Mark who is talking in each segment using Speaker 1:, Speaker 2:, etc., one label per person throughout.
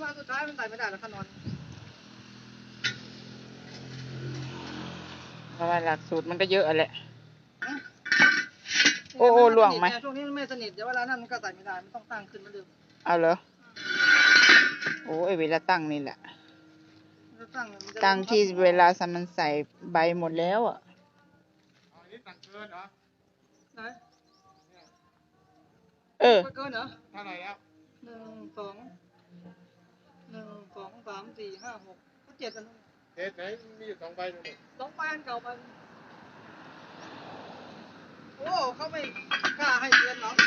Speaker 1: มาสุดท้ายมันใส่ไม่ได้แล้วขนอน
Speaker 2: เพราะว่าหลักสูตรมันก็เยอะแหละโอ้ล่วงไหม
Speaker 1: ช่วงนี้มันไม่สนิทเดี๋ยวเวลานั้นมันก็ใส่ไม่ได้มันต้องตั้งขึ้นมาเดิม
Speaker 2: เอาเหรอโอ้ยเวลาตั้งนี่แหละตั้งที่เวลามันใส่ใบหมดแล้วอ่ะ
Speaker 3: อันนี้ตั้งเกินเหรอ
Speaker 1: ไหน
Speaker 2: เ
Speaker 1: กินเหรอ
Speaker 3: เท่าไหร่แล้ว
Speaker 1: 1 2 3 4 5 6 7อัน
Speaker 3: เทสไหนมีอยู่2 ใบตรงนี้
Speaker 1: 2 ใบอันเก่ามันโอ้เขาไม่กล้าให้เตือนหรอก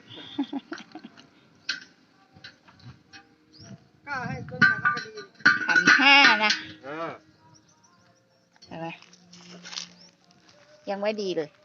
Speaker 1: กล้าให้เตือนหนักก็ดี
Speaker 2: 1,500นะเห็นไหมยังไม่ดีเลย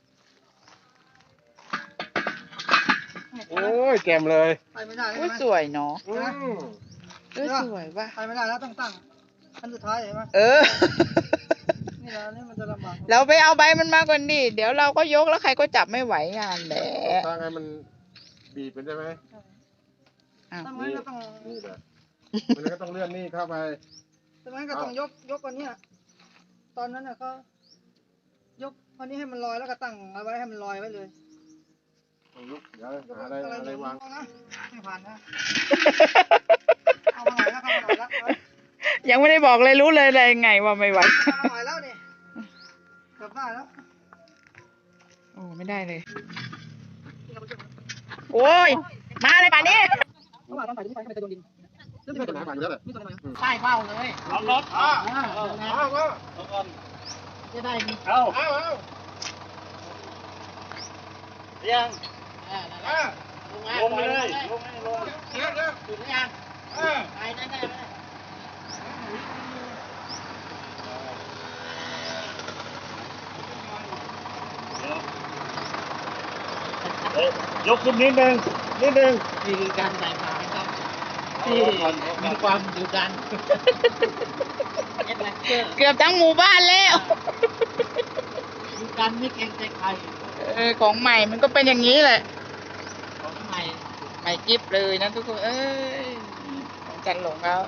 Speaker 3: โอ้ยแกมเลย
Speaker 1: ไปไม่ได้
Speaker 2: เลยสวยเนาะสวยว่ะ
Speaker 1: ไปไม่ได้แล้วต้องตั้งอันสุดท้ายเห็นไหมนี่แล้วนี่มันจะลำบาก
Speaker 2: เราไปเอาใบมันมาก่อนดิเดี๋ยวเราก็ยกแล้วใครก็จับไม่ไหวงานแหละ
Speaker 3: ถ้าไงมันบีบเป็นได้ไหม
Speaker 1: ทำไมก็ต้อง
Speaker 3: นี่แหละมันก็ต้องเลื่อนนี่เข้าไป
Speaker 1: ทำไมก็ต้องยกอันนี้ตอนนั้นน่ะเขายกอันนี้ให้มันลอยแล้วก็ตั้งเอาไว้ให้มันลอยไว้เลย
Speaker 3: ยกเดี๋ยวหาอะไรวาง
Speaker 1: ไม่ผ่านนะเอามาหน่อยแล้วเอามาหน่อยแล้ว
Speaker 2: ยังไม่ได้บอกเลยรู้เลยอะไรไงว่าไม่ไหว
Speaker 1: เอามาหน่อยแล้วนี่เกือบได้แล้ว
Speaker 2: โอ้ไม่ได้เลยโอ้ยมาเลยป่านนี้
Speaker 1: ต้องใส่ดินไปให้มันจะโดนดิน
Speaker 3: นี่เป็นหาอยู่แล้วแหละ
Speaker 1: ใช่เบ้าเลย
Speaker 3: เอารถ
Speaker 1: จะได้
Speaker 3: เอา
Speaker 1: ยัง
Speaker 3: ลงเลยลง
Speaker 1: ถึงยังไปได้
Speaker 3: ยกขึ้นนิดนึง
Speaker 1: นี่คือการใส่ขาครับที่มีความดุดัน
Speaker 2: เกือบทั้งหมู่บ้านแล้ว
Speaker 1: ดุดันไม่เกรงใจใคร
Speaker 2: ของใหม่มันก็เป็นอย่างนี้แหละ
Speaker 1: ของใหม่
Speaker 2: กิฟเลยนะทุกคนของจันหลงแล้ว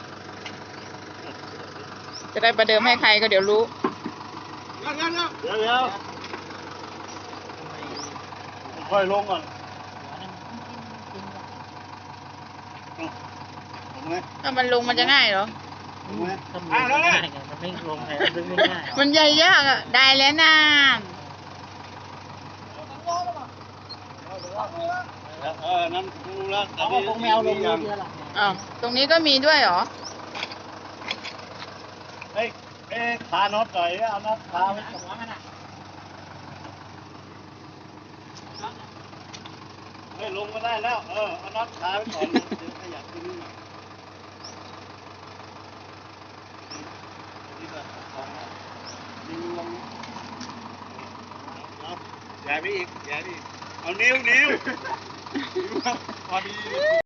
Speaker 2: จะได้ประเดิมให้ใครก็เดี๋ยวรู้
Speaker 3: เดี๋ยวค่อยลงก่อน
Speaker 2: ถ้ามันลงมันจะง่ายเหรอ
Speaker 1: มันไม่ลงแต่ดึงไม่ง่าย
Speaker 2: มันใหญ่ยากอ่ะได้แล้วนะ
Speaker 3: นั่นรู้แล้ว
Speaker 1: เอาคงแมวลงเยอะ
Speaker 2: อ้าวตรงนี้ก็มีด้วยเหรอ
Speaker 3: ขาน็อตหน่อยเอาน็อตขาไว้ตรงนั้นน่ะลงก็ได้แล้วเอาน็อตขาไว้ก่อนเดี๋ยวขยับขึ้นนี่ดึงลงย้ายไปอีกเอานิ้วพอดี